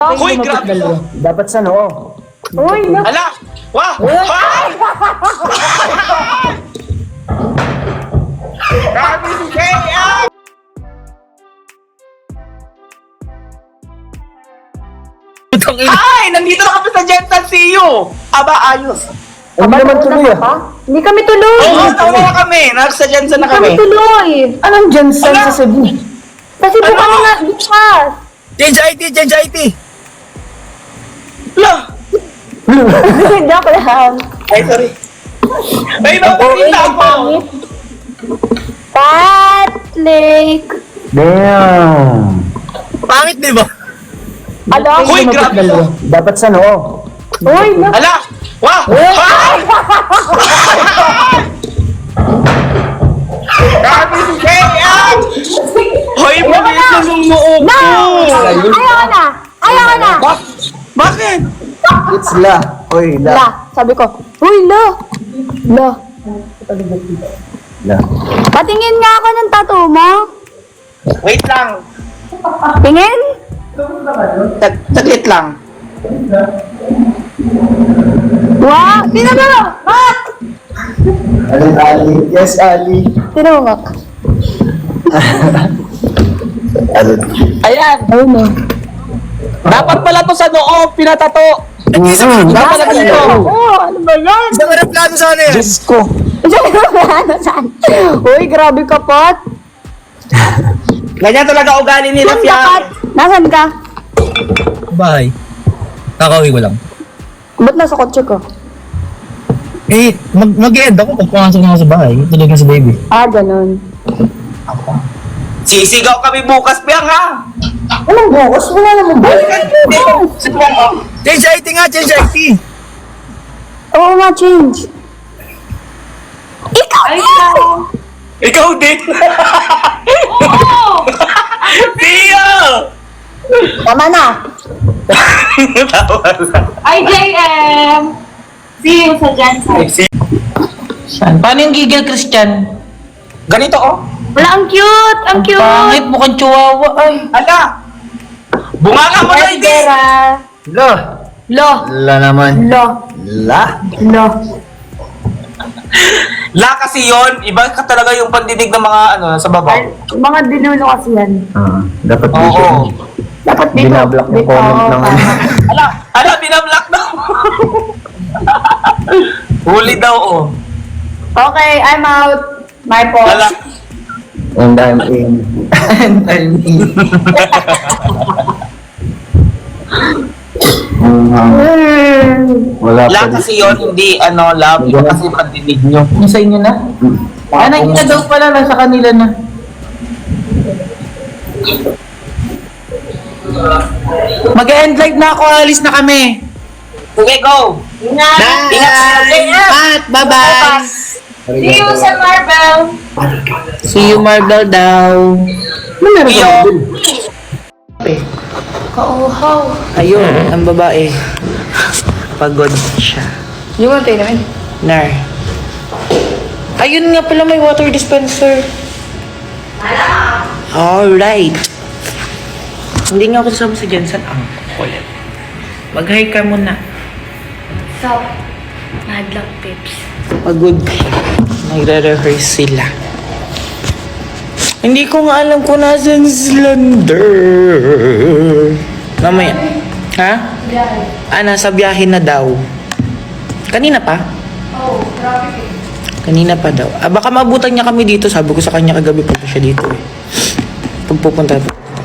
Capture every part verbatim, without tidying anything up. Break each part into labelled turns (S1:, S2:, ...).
S1: Uy, grabe to.
S2: Dapat sa noo.
S3: Uy, na.
S1: Ala! Wah! Wah! Grabe si Kaya! Ay! Nandito na kami sa Jensen C U! Aba, ayos.
S2: Hindi naman tuloy ah.
S3: Ha? Hindi kami tuloy.
S1: Oo, tama na kami. Nasa Jensen na
S3: Hindi kami
S1: kami.
S3: tuloy.
S2: Anong Jensen
S1: Ala!
S2: sa Cebu?
S3: Kasi po
S1: Ano?
S3: kami nga bukas.
S4: Change I T, change I T.
S1: Ala!
S3: Joke lang.
S1: Ay, sorry. Ay, napakita ako!
S3: Pat Lake.
S2: Damn.
S4: Pangit, di ba?
S3: Ala?
S1: Uy, grabe to.
S2: Dapat sa noo.
S3: Uy, na.
S1: Ala! Wah! Wah! Grabe si Kaya! Hoy, mabilis na sumuupo!
S3: Na! Ayaw na. Ayaw na.
S1: Bak- Bakit?
S2: It's la. Oy, la.
S3: La. Sabi ko, uy, la. La.
S2: La.
S3: Patingin nga ako ng tattoo mo.
S1: Wait lang.
S3: Tingin?
S1: Tag Taglit lang.
S3: Wow. Tinan mo. Mak.
S2: Alin, Ali? Yes, Ali.
S3: Tinan mo, Mak.
S2: Alin?
S1: Ayan.
S3: Ayun na.
S1: Dapat pala to sa noo, pinatato.
S2: Mm-hmm.
S1: Dapat na dito.
S3: Oo, ano ba yan?
S4: Isang aeroplano sana yan.
S2: Diyos ko.
S3: Ano saan? Uy, grabe ka, Pat.
S1: Ganyan talaga ugali nila,
S3: Nasaan ka, Pat?
S1: Fiang.
S3: Nasaan ka?
S4: Bahay. Kakauwi ko lang.
S3: Ba't nasa kotse ko?
S4: Eh, mag mag-end ako pag pumasok na ako sa bahay. Tulog na si baby.
S3: Ah, ganun.
S1: Sisigaw kami bukas, Fiang, ha?
S3: Anong bukas? Wala naman bukas.
S4: Change I T nga, change I T.
S3: Oo nga, change. Ikaw! Ikaw!
S1: Ikaw din.
S3: Oo!
S1: Tio!
S3: Tama na.
S1: Tawa lang.
S5: I J M! See you sa Jensen.
S6: Paano yung gigil, Christian?
S1: Ganito, oh.
S5: Wala, ang cute! Ang cute!
S6: Pangit, mukhang chihuahua. Ay.
S1: Ala! Bunganga mo na, hindi!
S3: Vera.
S2: La.
S3: Lo.
S2: La naman.
S3: Lo.
S2: La.
S3: Lo.
S1: La kasi yon, iba ka talaga yung pandinig ng mga ano sa baba.
S3: Ay, mga dinulo kasi yan.
S2: Ah, dapat
S1: Oo.
S2: dito.
S3: Dapat dito.
S2: Binablock yung
S3: Dito,
S2: comment ng ano.
S3: tama.
S1: Ala, ala, binablock daw. Huli daw, oh.
S3: Okay, I'm out. My fault.
S1: Ala.
S2: And I'm in.
S6: And I'm in.
S2: Mhm. Wala
S1: La
S2: pa dito.
S1: kasi yon, hindi ano, love, iba kasi pandinig nyo.
S6: Yung sa inyo na? Ah, nakita daw pala, nasa kanila na. Mag-end live na ako, alis na kami.
S1: Okay, go!
S5: Ingat!
S1: Ingat! Ingat!
S6: Pat, bye-bye.
S5: See you sa Marvel!
S6: See you, Marvel daw.
S1: Tio!
S5: Kauhaw!
S6: Ayun, ang babae. Pagod siya.
S3: Yung mga tayo namin.
S6: Nar. Ayun nga pala, may water dispenser. Alright. Hindi nga ako kasama sa Jensen. Ang kulit. Mag-hi ka muna.
S5: Sup? Madlang pips.
S6: Pagod siya. Nagre-rehearse sila. Hindi ko nga alam kung nasan si Lander. Mamaya. Ha? Ah, nasa biyahe na daw. Kanina pa?
S5: Oh, grabe.
S6: Kanina pa daw. Ah, baka maabutan niya kami dito. Sabi ko sa kanya kagabi pag siya dito eh. Pagpupunta.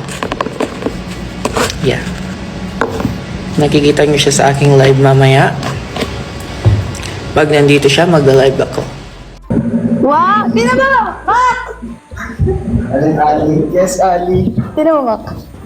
S6: Yeah. Nakikita niyo siya sa aking live mamaya. Pag nandito siya, mag-live ako.
S3: Wow! Tinan mo! Mak!
S2: Alin, Ali? Yes, Ali.
S3: Tinan mo, Mak.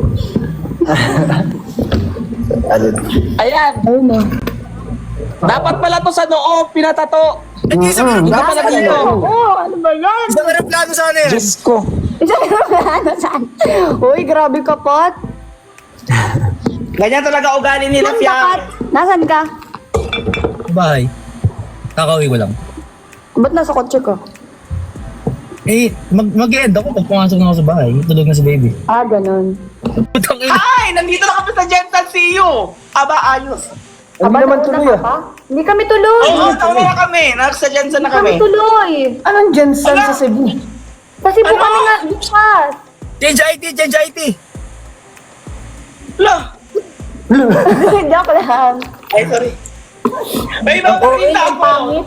S2: Alin?
S1: Ayan!
S3: Ayun na.
S1: Dapat pala to sa noo, pinatato.
S2: Mhm.
S1: Dapat na dito.
S3: Oo, ano ba yan?
S4: Isang aeroplano sana yan.
S2: Diyos ko.
S3: Isang ano saan? Uy, grabe ka, Pat.
S1: Ganyan talaga ugali nila,
S3: Nasaan ka, Pat?
S1: Fiang.
S3: Nasaan ka?
S4: Bahay. Kakauwi ko lang.
S3: Ba't nasa kotse ko?
S4: Eh, mag mag-end ako pag pumasok na ako sa bahay. Tulog na si baby.
S3: Ah, ganun.
S4: Putang ina.
S1: Ay, nandito na kami sa Jensen C U. Aba, ayos.
S2: Hindi
S3: Aba,
S2: naman
S3: nauna
S2: tuloy
S3: ka
S2: ah.
S3: pa? Hindi kami tuloy.
S1: Oo, nauna na kami. Nasa Jensen na
S3: Hindi kami
S1: kami.
S3: tuloy.
S2: Anong Jensen
S1: Ala!
S2: sa Cebu?
S3: Kasi po
S1: Ano?
S3: kami nga bukas.
S4: Change I T, change I T.
S1: Lah.
S3: Joke lang.
S1: Ay, sorry. May babakita
S3: Ang
S1: ako.
S3: pangit.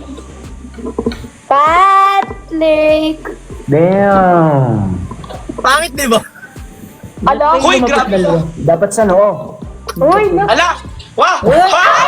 S3: Patrick.
S2: Damn.
S4: Pangit, di ba?
S3: Ala?
S1: Uy, grabe.
S2: Dapat sa noo.
S3: Uy, na.
S1: Ala! Wah! Wah!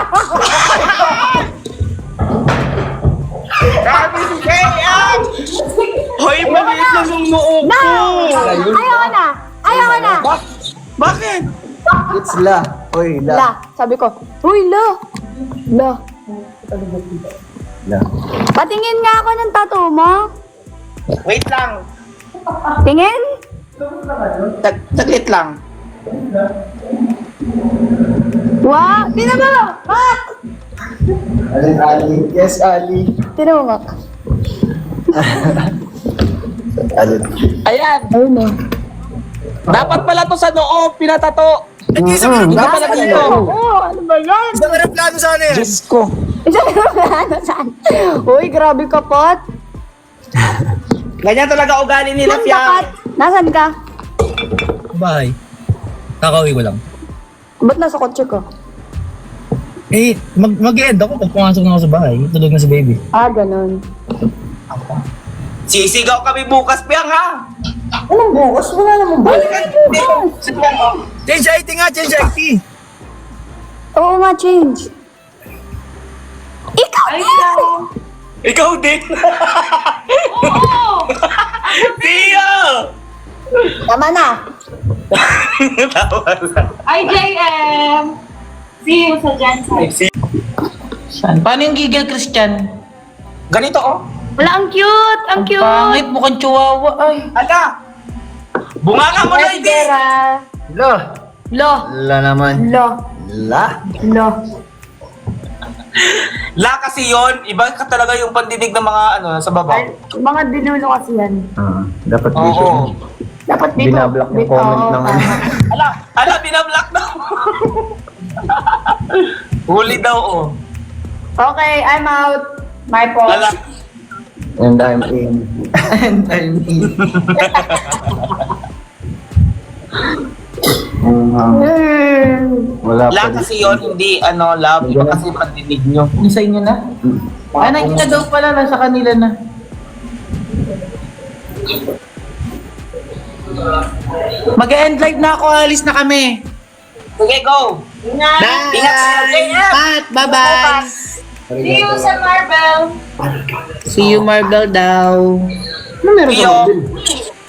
S1: Grabe si Kaya! Hoy, maliit lang yung noo
S3: Na!
S1: ko.
S3: Ayaw na! Ayaw na!
S1: Bak- Bakit?
S2: It's la. Oy, la.
S3: La, sabi ko. Uy, la! La.
S2: La.
S3: Patingin nga ako ng tattoo mo.
S1: Wait lang.
S3: Tingin?
S1: Tag saglit lang.
S3: Wow! Tingnan mo! Mak!
S2: Alin, Ali? Yes, Ali.
S3: Tingnan mo, Mak.
S2: Alin.
S1: Ayan.
S3: Ayun na.
S1: Dapat pala to sa noo, pinatato.
S4: Hindi sa mga
S1: Hindi
S4: plano
S1: pala
S4: sana
S1: dito.
S4: yan.
S3: Oo, ano ba yan?
S4: Isang aeroplano sana yan.
S2: Diyos ko.
S3: Isang ano saan? Uy, grabe ka, Pot.
S1: Ganyan talaga ugali nila,
S3: Nasaan ka,
S1: Fiang.
S3: Pot? Nasaan ka?
S4: Bahay. Kakauwi ko lang.
S3: Ba't nasa kotse ko?
S4: Eh, mag mag-end ako pag pumasok na ako sa bahay. Tulog na si baby.
S3: Ah, ganun.
S1: Sisigaw kami bukas, Fiang, ha?
S2: Anong bukas? Wala naman ba?
S4: Change I T nga, change I T.
S3: Oo nga, change. Ikaw
S5: Ay,
S3: din!
S5: daw.
S1: Ikaw din.
S5: Oo!
S1: Tia!
S3: Tama na.
S5: I J M! See you sa Jensen.
S6: Saan? Paano yung gigil, Christian?
S1: Ganito, oh.
S5: Wala, ang cute! Ang cute!
S6: Pangit, mukhang chihuahua. Ay.
S1: Ala! Bunganga mo na, hindi!
S3: Vera.
S2: La.
S3: Lo.
S2: La naman.
S3: Lo.
S2: La.
S3: Lo.
S1: La kasi yon, iba ka talaga yung pandinig ng mga ano sa baba.
S3: Ay, mga dinulo kasi yan.
S2: Ah, dapat
S1: Oo.
S2: dito.
S3: Dapat dito.
S2: Binablock yung
S3: Dito,
S2: comment
S3: oo,
S2: ng
S3: tama.
S1: Ala, ala, binablock daw. Huli daw, oh.
S3: Okay, I'm out. My fault.
S1: Ala.
S2: And I'm in.
S1: And I'm in.
S2: Um, wala pa
S1: La
S2: dito.
S1: kasi yon, hindi ano, love. Iba kasi pandinig nyo.
S6: Yung sa inyo na? Ay, nakita daw pala, nasa kanila na. Mag-end live na ako, alis na kami.
S1: Sige, go.
S5: Ingat!
S1: Ingat kayo, J M.
S6: Pat, bye-bye.
S5: See you sa Marvel!
S6: See you, Marvel daw.
S2: Ano meron sa
S1: Iyo.
S2: Marvel?